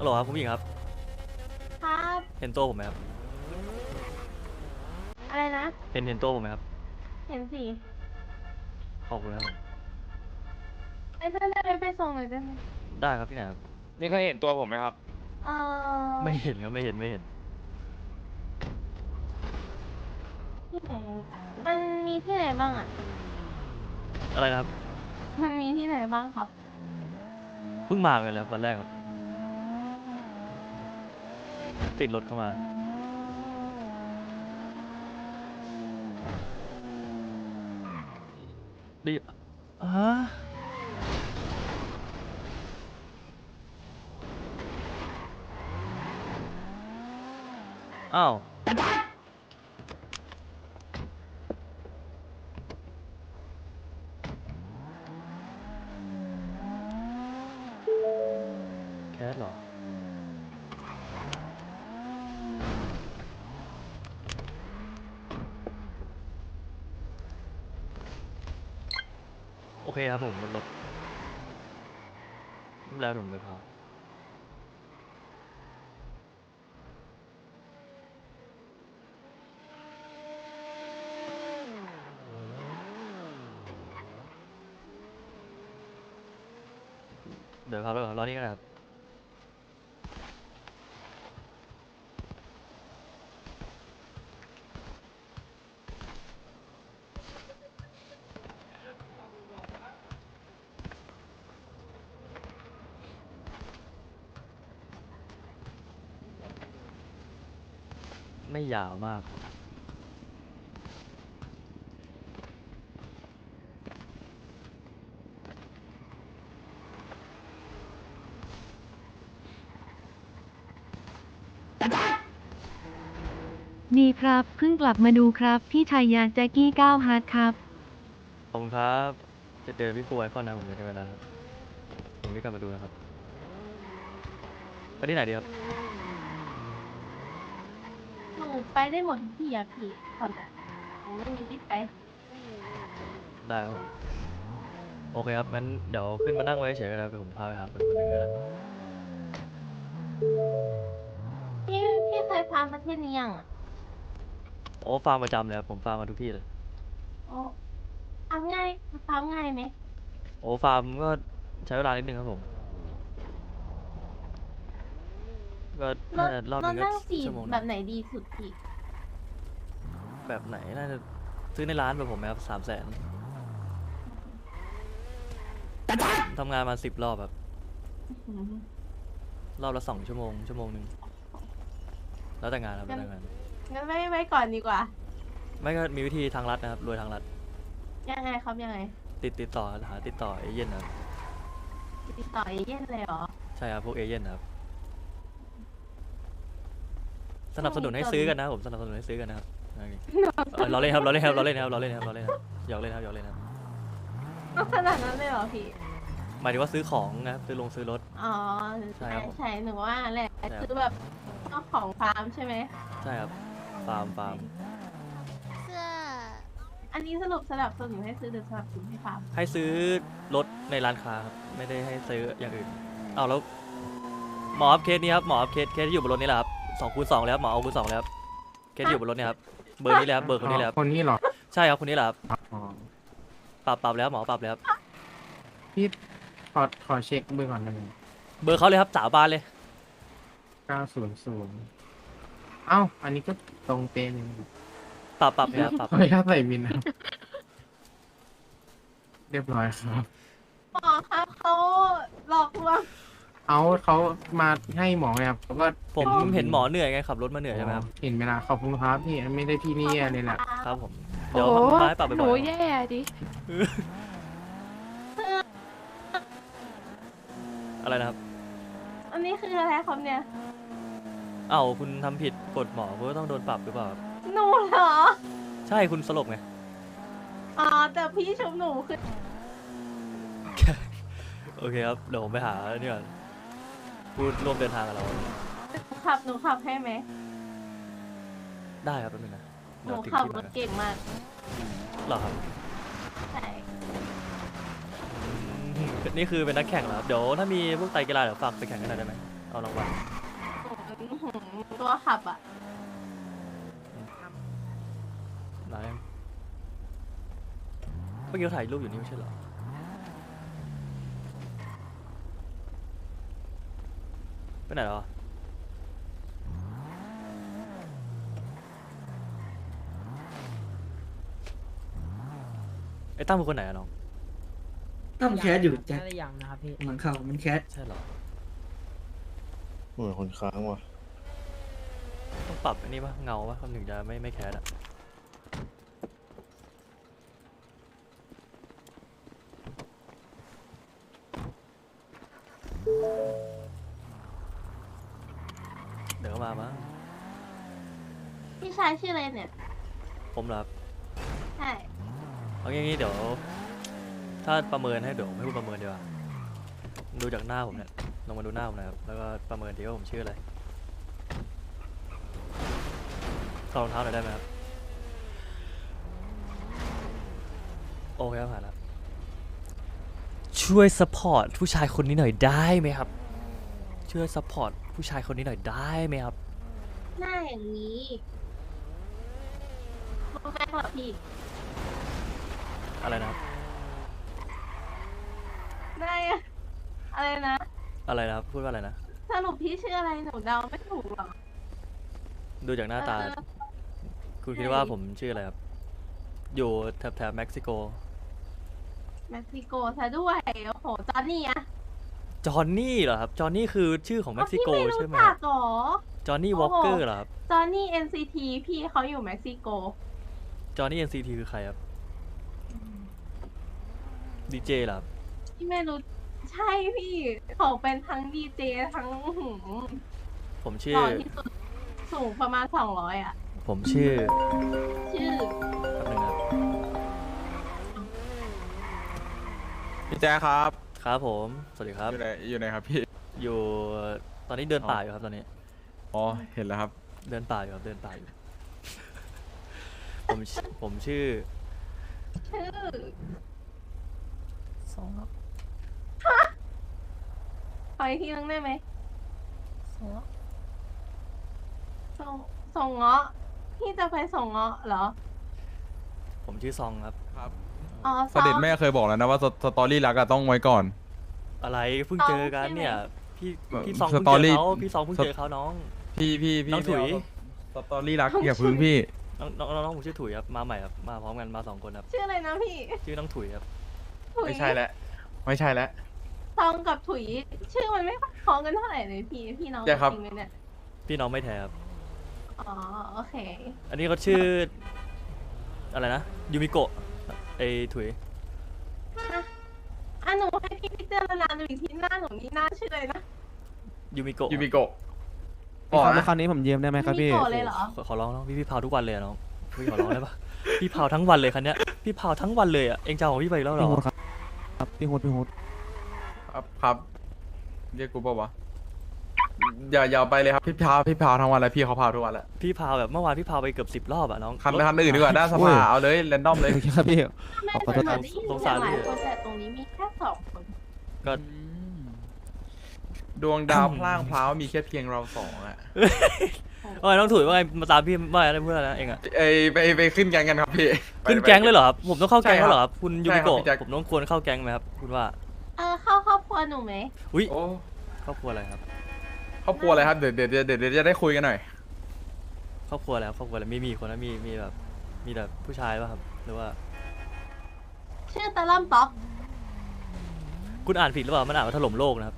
ฮัลโหลครับคุณผู้หญิงครับครับเห็นตัวผมไหมครับอะไรนะเห็นตัวผมไหมครับเห็นสิขอบคุณครับไอ้เพื่อนได้ไปส่งหน่อยได้ไหมได้ครับที่ไหนครับนี่เคยเห็นตัวผมไหมครับเออไม่เห็นครับไม่เห็นที่ไหนมันมีที่ไหนบ้างอ่ะอะไรนะครับมันมีที่ไหนบ้างครับเพิ่งมาเลยครับวันแรกครับติดรถเข้ามาดิฮะอ้าวแคสเหรอโอเคครับผมบนรถแล้วผมไปพาเดี๋ยวพาไปก่อนรอนี่กันนะครับไม่ยาวมากดีครับเพิ่งกลับมาดูครับพี่ชายาแจ็กกี้ก้าวฮาร์ดครับขอบคุณครับจะเจอพี่ฟูไอคอนนะผมจะได้เวลาครับผมรีบกลับมาดูนะครับไปที่ไหนดีครับหนูไปได้หมดทุกที่อะพี่ตอนนั้นหนูไม่มีที่ไปได้ครับผมโอเคครับงั้นเดี๋ยวขึ้นมานั่งไว้เฉยๆนะครับเดี๋ยวผมพาไปหาคนคนหนึ่งนะครับพี่พี่เคยพาประเทศนี้ยังอะโอ้ฟาร์มประจำเลยครับผมฟาร์มมาทุกที่เลยโอ้ทำง่ายไหมโอ้ฟาร์มก็ใช้เวลานิดนึงครับผมก็รถน่าจะรอบรหนึงก็ถนั่งสี่ชั่วโมงหนึงแบบไหนดีสุดพี่แบบไหนน่าจะซื้อในร้านแบบผมไหมครับ300,000ทำงานมา10 รอบแบบอืมรอบละ2 ชั่วโมงชั่วโมงหนึ่งแล้วแต่งานครับแล้งั้นวแต่งานงั้นไม่ก่อนดีกว่าไม่ก็มีวิธีทางลัดนะครับรวยทางลัดยังไงครับยังไงติดต่อหาติดต่อเอเย่นนะครับติดต่อเอเย่นเลยเหรอใช่ครับพวกเอเย่นนะครับสนับสนุนให้ช่วงนี้ซื้อกันนะครับผมสนับสนุนให้ซื้อกันนะครับโอเคเราเล่นครับเราเล่นครับเราเล่นครับเราเล่นครับเราเล่นครับหยอกเล่นครับหยอกเล่นครับต้องขนาดนั้นเลยเหรอพี่หมายถึงว่าซื้อของนะครับซื้อรถอ๋อใช่ใช่ครับผมใช่หนูว่าแหละใช่ครับคือแบบเจ้าของฟาร์มใช่ไหมใช่ครับฟาร์มเสื้ออันนี้สรุปสนับสนุนให้ซื้อหรือสนับสนุนให้ฟาร์มให้ซื้อรถในร้านค้าครับไม่ได้ให้ซื้ออย่างอื่นเอาแล้วหมอครับเคสนี้ครับหมอครับเคสที่อยู่บนรถนี่แหละครับ2 คูณ 2เลยครับหมอเอาคูณ 2เลยครับเคสที่อยู่บนรถเนี่ยครับเบอร์นี้เลยครับเบอร์คนนี้เลยครับคนนี้เหรอใช่ครับคนนี้แหละครับอ๋อปรับแล้วหมอปรับแล้วครับพี่ขอเช็คเบอร์ก่อนได้ไหมเบอร์เขาเลยครับสาบานเลย 900เอ้าอันนี้ก็ตรงเป๊ะเลยนะครับปรับแล้วปรับขออนุญาตใส่บินนะครับเรียบร้อยครับหมอครับเขาหลอกลวงเขามาให้หมอไงครับเขาก็ผมเห็นหมอเหนื่อยไงขับรถมาเหนื่อยใช่ไหมครับเห็นเวลาขอบคุณครับพี่ไม่ได้พี่นี่เลยแหละครับผมเดี๋ยวมาให้ปรับไปบ่อยๆอะไรนะครับอันนี้คืออะไรครับเนี่ยเอ้าคุณทำผิดกฎหมอคุณก็ต้องโดนปรับหรือเปล่าครับหนูเหรอใช่คุณสลบไงอ๋อแต่พี่ชุบหนูคือโอเคครับเดี๋ยวผมไปหานี่ก่อนพูดร่วมเดินทางกับเราหนูขับให้ไหมได้ครับแป๊บนึงนะหเดี๋นูยวถึงขับที่รมาถเก่งมากเหรอครับใช่นี่คือเป็นนักแข่งเหรอครับเดี๋ยวถ้ามีพวกไตรกีฬาเดี๋ยวฝากไปแข่งกันหน่อยได้ไหมเอารางวัลตัวขับอ่ะร้านเมื่อกี้เราถ่ายรูปอยู่นี่ไม่ใช่เหรอไปไหนแล้วอะไอ้ตั้มเป็นคนไหนอะน้องตั้มแคสอยู่แจ็คน่าจะยังนะครับพี่หลังเข่ามันแคสใช่เหรอเหมือนคนค้างว่ะต้องปรับอันนี้ปะเงาปะคำหนึ่งจะไม่แคสอะเดี๋ยวก็มามั้งพี่ชายชื่ออะไรเนี่ยผมเหรอครับใช่เอางี้เดี๋ยว ถ้าประเมินให้เดี๋ยวผมให้คุณประเมินดีกว่าดูจากหน้าผมเนี่ยลองมาดูหน้าผมนะครับแล้วก็ประเมินทีว่าผมชื่ออะไรถอดรองเท้าหน่อยได้ไหมครับโอเคครับผ่านแล้วช่วยซัพพอร์ตผู้ชายคนนี้หน่อยได้ไหมครับช่วยซัพพอร์ตผู้ชายคนนี้หน่อยได้ไหมครับหน้าอย่างนี้รู้ไหมเหรอพี่อะไรนะครับหน้าอย่างอะไรนะอะไรนะครับพูดว่าอะไรนะสรุปพี่ชื่ออะไรหนูเดาไม่ถูกหรอกดูจากหน้าตา คุณคิดว่าผมชื่ออะไรครับ อยู่แถบเม็กซิโกเม็กซิโกซะด้วยโอ้โหจอนนี่อะจอห์นนี่เหรอครับ จอห์นนี่คือชื่อของเม็กซิโกพี่ไม่ใช่รู้ไหมจักหรอจอห์นนี่วอลเกอร์เหรอครับจอนนี่ NCT พี่เขาอยู่เม็กซิโกจอห์นนี่ NCT คือใครครับ ดีเจเหรอครับพี่ไม่รู้ใช่พี่เขาเป็นทั้งดีเจทั้งผมชื่หอล่อที่สุดสูงประมาณ200อ่ะผมชื่อชื่อแป๊บนึงนะครับพี่แจ๊คครับครับผม สวัสดีครับอยู่ไหนครับพี่อยู่ ตอนนี้เดินป่าอยู่ครับตอนนี้อ๋อ เห็นแล้วครับเดินป่าอยู่ครับ เดินป่าอยู่ ผมชื่อชื่อสองครับขออีกทีนึงได้ไหมส่งเงาะพี่จะไปส่งเงาะเหรอผมชื่อซองครับครับอ๋อเสด็จแม่เคยบอกแล้วนะว่าสตอรี่รักอะต้องไว้ก่อนอะไรเพิ่งเจอกันเนี่ย พี่แบบพี่ซองเพิ่งสตอเจรี่อเขาพี่ซองเพิ่งเจอเขาน้องพี่น้องถุยสตอรี่รักอย่าพึ่งพี่น้องผมชื่อถุยครับ มาใหม่ครับ มาพร้อมกันมา2 คนครับชื่ออะไรนะพี่ชื่อน้องถุยครับถุยไม่ใช่แล้ว ไม่ใช่แล้วซองกับถุย ชื่อมันไม่คล้องกันเท่าไหร่เลยพี่น้องใช่ครับจริงไหมเนี่ยพี่น้องไม่แท้ครับอ๋อโอเคอันนี้เขาชื่อ อะไรนะ ยูมิโกะไอถุยหนูให้พี่พิจารณาดูอีกทีหน้าหนูนี่หน้าชื่ออะไรนะยูมิโกะยูมิโกะพี่ครับแล้วคราวนี้ผมยืมได้ไหมครับพี่มิโกะเลยเหรอขอร้องน้องพี่เผาทุกวันเลยอะน้อง พี่ขอร้องได้ปะพี่เผาทั้งวันเลยคันเนี้ย พี่เผาทั้งวันเลยอ่ะ เองจะเอาของพี่ไปอีกแล้วเหรพี่อโฮดครับครับพี่โฮดพี่โฮดครับ เรียกกูเปล่าวะ อย่าไปเลยครับพี่พาวทั้งวันเลยพี่เขาพาวทุกวันแหละพี่เผาแบบเมื่อวานพี่เผาไปเกือบ10 รอบอ่ะน้องคันอื่นดีกว่าด้านสภาเอาเลยแรนดอมเลยโอเคครับพี่แม่ขอโทษเหคมืรัอบ นได้ยินเสียงหลายคนแต่ตรงนี้มีแค่2 คนก็ดวงดาวพล่างพล้าวมีแค่เพียงเราสองอะว่าไงน้องถุยว่าไงมาตามพี่ว่าอะไรเพื่อนนะเองอ่ะไปขึ้นแกงกันครับพี่ขึ้นแก๊งเลยเหรอครับ ผมต้องเข้าแก๊งใช่ครับแล้วเหรอครับ คุณยูมิใช่ครับโกะพี่แจ็คผมต้องควรเข้าแก๊งไหมครับ คุณว่าเข้าครอบครัวหนูไหมอุ้ยโอ้ครอบครัวอะไรครับครอบครัวอะไรครับเดี๋ยวจะได้คุยกันหน่อยครอบครัวอะไรครับครอบครัวอะไรมีคนนะมีแบบมีแต่ผู้ชายป่ะครับ หรือว่าชื่อตะล่อมต๊อกคุณอ่านผิดหรือเปล่ามันอ่านว่าถล่มโลกนะครับ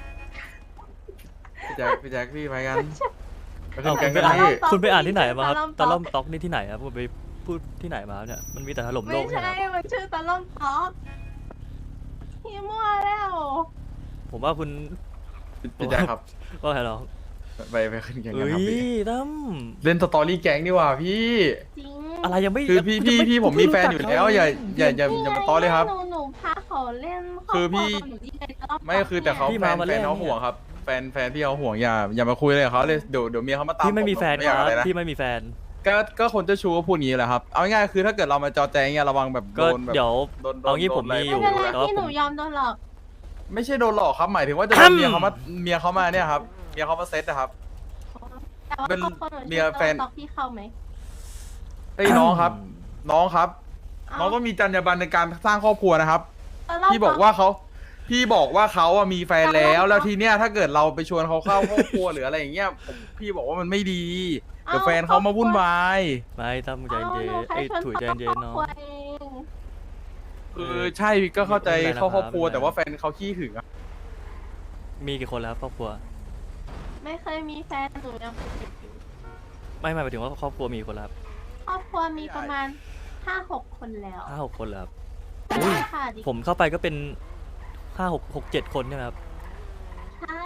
พี่แจ็คพี่ไปกันไปขึ้เอ้านแกคุณงไปกันอ่านพี่คุณไปอ่านที่ไหนมาครับตะล่อมต๊อกนี่ที่ไหนครับคุณไปพูดที่ไหนมาครับเนี่ยมันมีแต่ถล่มโลไม่กใช่ไหมใช่ครับมันชื่อตะล่อมต๊อกพี่มั่วแล้วผมว่าคุณพี่แจ็คครับก็ไงน้องไปขึ้นแกงกันเอ้ครับยพี่ตั้มเล่นสตอรี่แก๊งดีกว่าพี่จริงอะไรยังไม่คือยังไม่พี่ผมมีแฟนอยู่แล้วอย่ามาตอเลยครับหนูพาเขาเล่นคือพี่หนูที่เป็นตะล่อมต๊กไม่คือแต่เขาแฟนเขาห่วงครับแฟนพี่เขาห่วงอย่ามาคุยเลยกับเขาเลยเดี๋ยวเมียเขามาตามพี่ไม่มีแฟนไม่คอยากรับอะไรนะพี่ไม่มีแฟนก็คนเจ้าชู้ก็พูดอย่างนี้แหละครับเอาง่ายๆคือถ้าเกิดเรามาจอแจงเนี่ยระวังแบบก็โดนแบบเดี๋ยวโดนเอางี้ผมมีอยู่ไม่เป็นไรแต่ว่าพี่ผหนูมยอมโดนหลอกไม่ใช่โดนหลอกครับหมายถึงว่าจะโดนเมียเขามาเนี่ยครับเมียเขามาเซ็ตนะครับแต่ว่าเป็นครอบครัวหนูเมียแฟนตอกพี่เข้าไหมเอ้ยน้องครับ น้องครับเาน้องต้องมีจรรยาบรรณในการสร้างครอบครัวนะครับเรพี่บอกว่าเขาอะมีแฟนแล้วแล้วทีเนี้ยถ้าเกิดเราไปชวนเขาเข้าครอบครัวหรืออะไรอย่างเงี้ยพี่บอกว่ามันไม่ดีเดี๋ยวแฟนเขามาวุ่นวายไม่ตั้มใจเย็นหนูไอ้ยแค่ชวนถุยใจเย็นครอบเนาะครัวเองคือใช่ก็เข้าใจไม่เป็นไรเข้าครอบครัวนะครับแต่ว่าแฟนเขาขี้หึงอะมีกี่คนแล้วครับครอบครัวไม่เคยมีแฟนหนูยังเป็นเด็กอยู่ไม่หมายถึงว่าครอบครัวมีกี่คนแล้วครับครอบครัวมีประมาณ5-6 คนแล้ว 5-6 คนแล้วครับใช่ค่ะดิผมเข้าไปก็เป็น5-6-7 คนใช่ไหมครับใช่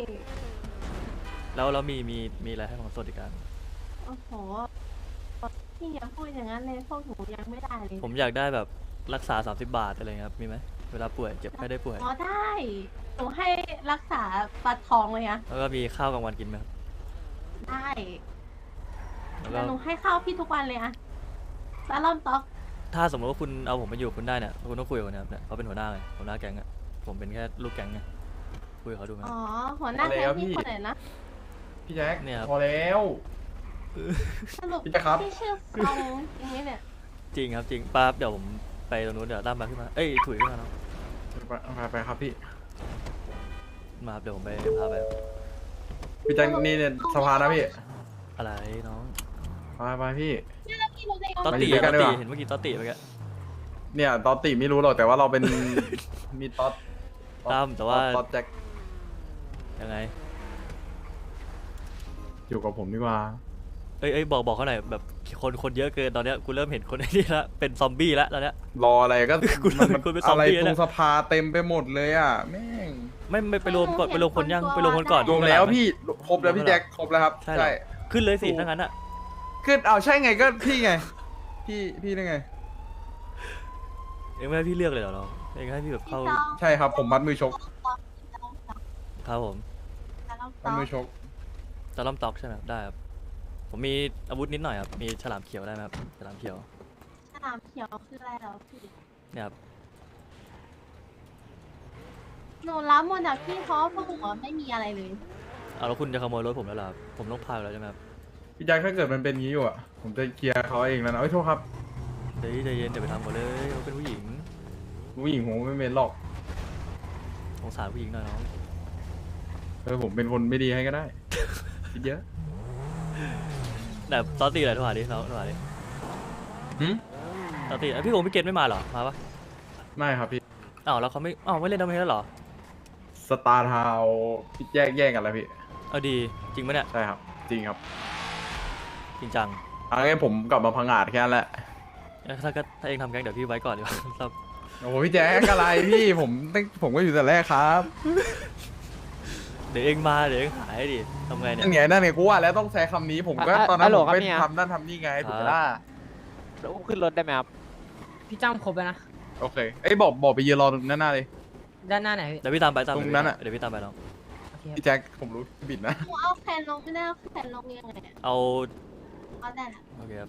แล้วมีอะไรให้ของสวัสดิการโอ้โหพี่อย่าพูดอย่างนั้นเลยพวกหนูยังไม่ได้เลยผมอยากได้แบบรักษา30 บาทอะไรเงี้ยครับมีไหมเวลาป่วยเจ็บไข้ได้ป่วยอ๋อได้หนูให้รักษาบัตรทองเลยอะแล้วก็มีข้าวกลางวันกินไหมครับได้แล้วแล้ก็วหนูให้ข้าวพี่ทุกวันเลยอะแล้วล่อมต๊อกถ้าสมมติว่าคุณเอาผมไปอยู่กับคุณได้เนี่ยคุณต้องคุยกับเขานะครับเนี่ยเขาเป็นหัวหน้าไงหัวหน้าแก๊งอะผมเป็นแค่ลูกแก๊งไงคุยกับเขาดูไหมอ๋อหัวหน้าแก๊งพี่คนไหนนะพี่แจ็คเนี่ยครับพอแล้วสรุปพี่จะครับพี่ชื่อฟองอย่างนี้เนี่ยจริงครับจริงป้าบเดี๋ยวผมไปตรงนู้นเดี๋ยวตั้มมาขึ้นมาเอ้ยถุยขึ้นมาเนาะไปครับพี่มาครับเดี๋ยวผมไปพาไปพี่แจ็คนี่เนี่ยสภานะพี่อะไรน้องไปพี่แล้วพี่รู้ได้ยังตอไงตติมาอยู่ด้วยกันดีกว่าเห็นเมื่อกี้ตอตติเมื่อกี้เนี่ยตอตติไม่รู้หรอกแต่ว่าเราเป็น มีตอตตั้มแต่ว่าตอตแจ็คยังไงอยู่กับผมดีกว่าเอ้ยบอกเขาหน่อยแบบคนเยอะเกินตอนเนี้ยกูเริ่มเห็นคนไอ้นี่ละเป็นซอมบี้ละตอนเนี้ยรออะไรก็กูเริ่มเป็นคนเป็นซอมอะไรบี้ตรแล้วงสภาเต็มไปหมดเลยอ่ะแม่งไม่ไปรวมก่อนไปรวมคนยังไปรวมคนก่อนรวมแล้วข้างหงไหพี่ครบแล้วพี่แจ็คครบแล้วครับใช่เหรอ ขึ้นเลยสิถ้างั้นอะขึ้นเอาใช่ไงก็พี่ไง พี่ได้ไงเองไม่ให้พี่เลือกเลยเหรอน้องเองให้พี่แบบพี่เข้าต้องใช่ครับผมมัดมือชกครับผมมัดมือชกจะล่อมตอกใช่ไหมครับได้ครับผมมีอาวุธนิดหน่อยครับมีฉลามเขียวได้ไหมครับฉลามเขียวสนามเขียวคืออะไรเหรอพี่เนี่ยครับหนูรับหมดจากพี่เพราะว่าพวกหนูไม่มีอะไรเลยเอาแล้วคุณจะขโมยรถผมแล้วเหรอครับผมต้องพาไปแล้วใช่ไหมครับพี่แจ็คถ้าเกิดมันเป็นงี้อยู่อ่ะผมจะเคลียร์เขาเองแล้วนะเอ้ยโทษครับเดี๋ยวใจเย็นเดี๋ยวไปทำหมดเลยเขาเป็นผู้หญิงผู้หญิงผมไม่เป็นหรอกสงสารผู้หญิงหน่อยน้องผมเป็นคนไม่ดีให้ก็ได้ คิดเยอะแต่ตอนตีอะไรโทรหาดิน้องโทรหาดิหืมตอนตีพี่โอพี่เกตไม่มาเหรอมาปะไม่ครับพี่อ้าวแล้วเขาไม่เล่นดอมเมนแล้วเหรอสตาร์ทาวพี่แย่งกันแล้วพี่เอาดีจริงปะเนี่ยใช่ครับ จริงครับจริงจังงั้นผมกลับมาพังอาจแค่นั้นแหละถ้าเองทำแก๊งเดี๋ยวพี่ไว้ก่อนดีกว่า ครับโอ้โหพี่แจ๊คอะไรพี่ ผมก็อยู่แต่แรกครับเดี๋ยวเองมาเดี๋ยวเองหายดิทำไงเนี่ยนั่นไงกูว่าแล้วต้องใช้คำนี้ผมก็ตอนนั้นผมไปทำนั่นทำนี่ไงถูกไหมล่ะแล้วอุ้มขึ้นรถได้ไหมครับพี่จ้ำครบแล้วนะโอเคเอ้ยบอกไปยืนรอตรงนั้นหน้าเลยด้านหน้าไหนพี่เดี๋ยวพี่ตามไปตามไปตรงนั้นอะเดี๋ยวพี่ตามไปน้องโอเคพี่แจ็คผมรู้บิดนะหนูเอาแขนลงไม่ได้เอาแขนลงยังไงอะเอาเอาได้ละโอเคครับ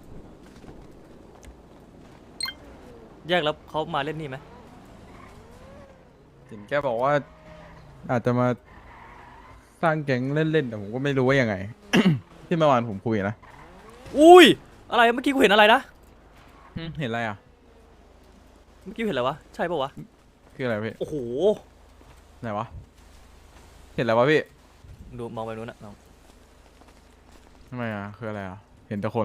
แยกแล้วเขามาเล่นนี่ไหมเห็นแกบอกว่า อาจจะมาสร้างแก๊งเล่นๆแต่ผมก็ไม่รู้ว่ายังไง ที่เมื่อวานผมคุยนะอุ้ยอะไรเมื่อกี้กูเห็นอะไรนะเห็นอะไรอ่ะเมื่อกี้เห็นอะไรวะใช่ปะวะคืออะไรพี่โอ้โหไหนวะเห็นอะไรวะพี่ดูมองไปนู้นนะน้องทำไมอ่ะคืออะไรอ่ะเห็นแต่คน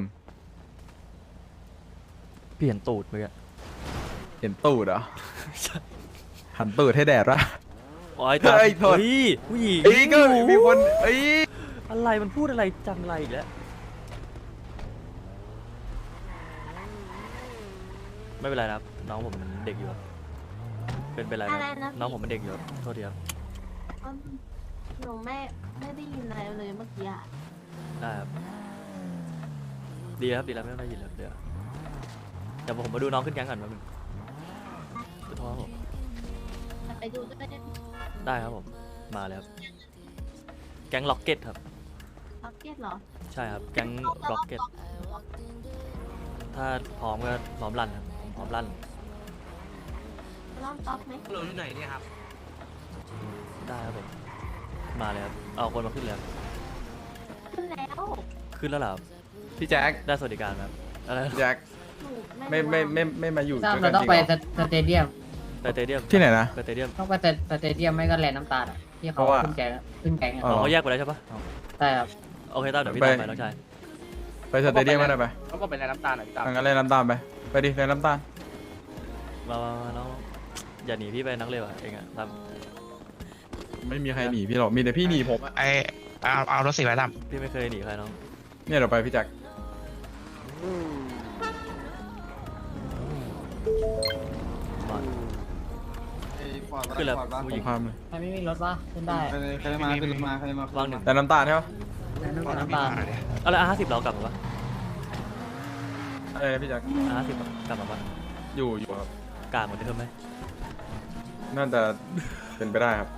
พี่เห็นตูดเมื่อกี้เห็นตูดเหรอ หันตูดให้แดดวะโอ้ยตาเฮ้ยโทษเฮ้ยผู้หญิงเอ้ยก็มีคนเอ้ยอะไรมันพูดอะไรจังไรอีกแล้วไม่เป็นไรนะครับน้องผมเด็กอยู่ครับเป็นไรนะอะไรนะน้องผมเป็นเด็กอยู่ครับโทษทีครับหนูไม่ได้ยินอะไรเลยเมื่อกี้อะได้ครับดีแล้วครับดีแล้วไม่ต้องได้ยินแล้วเดี๋ยวผมมาดูน้องขึ้นแก๊งก่อนแป๊บนึงขอโทษครับผมไปดูด้วยได้ไหมได้ครับผมมาแล้วครับแก๊งล็อกเก็ตครับล็อกเก็ตเหรอใช่ครับแก๊งล็อกเก็ตถ้าพร้อมก็พร้อมลั่นครับผมพร้อมลั่นล่อมต๊อกไหมโหลอยู่ไหนเนี่ยครับได้ครับผมมาเลยครับเอาคนมาขึ้นเลยครับขึ้นแล้วขึ้นแล้วเหรอครับพี่แจ็คได้สวัสดิการไหมครับอะไรนะพี่แจ็คหนูไม่มาอยู่เราด้วยกันต้องจริงไปเหรอสเตเดียมไปสเตเดียมที่ไหนนะไปสเตเดียมต้องไปสเตเดียมไม่ก็แลนด์น้ำตาลอะที่เพเขาราะว่าขึ้นแกงอะอ๋อเขาแยกไปแล้วใช่ปะใช่ครับโอเคต้าเดี๋ยวพี่ไปตามไปน้องชายไปสเตเดียมก็ได้ไปเขาบอกเป็นอะไรน้ำตาลหน่อยพี่ตามงั้นเล่นน้ำตาลไปไปดิเล่นน้ำตาลมาน้องอย่าหนีพี่ไปนักเลยว่ะเองอะครับไม่มีใครหนีพี่หรอกมีแต่พี่หนีผมอะเอารถสีไว้ดพี่ไม่เคยหนีใครน้องเนี่ยเดี๋ยวไปพี่แจ็คมาขึ้นแล้วผู้หผญิมงข้ามเลยใครไม่มีรถวะขึ้นได้ำใครมาขึ้นมาใครมาวางหนึ่งแต่น้ำตาลใช่ปะแลนด์น้ำตาลเอาละ50เรากลับมาปะอะไรนะพี่แจ็ค 50กลับมาปะอยู่ครับกลางเหมือนเดิมไหมน่าจะเป็นไปได้ครับ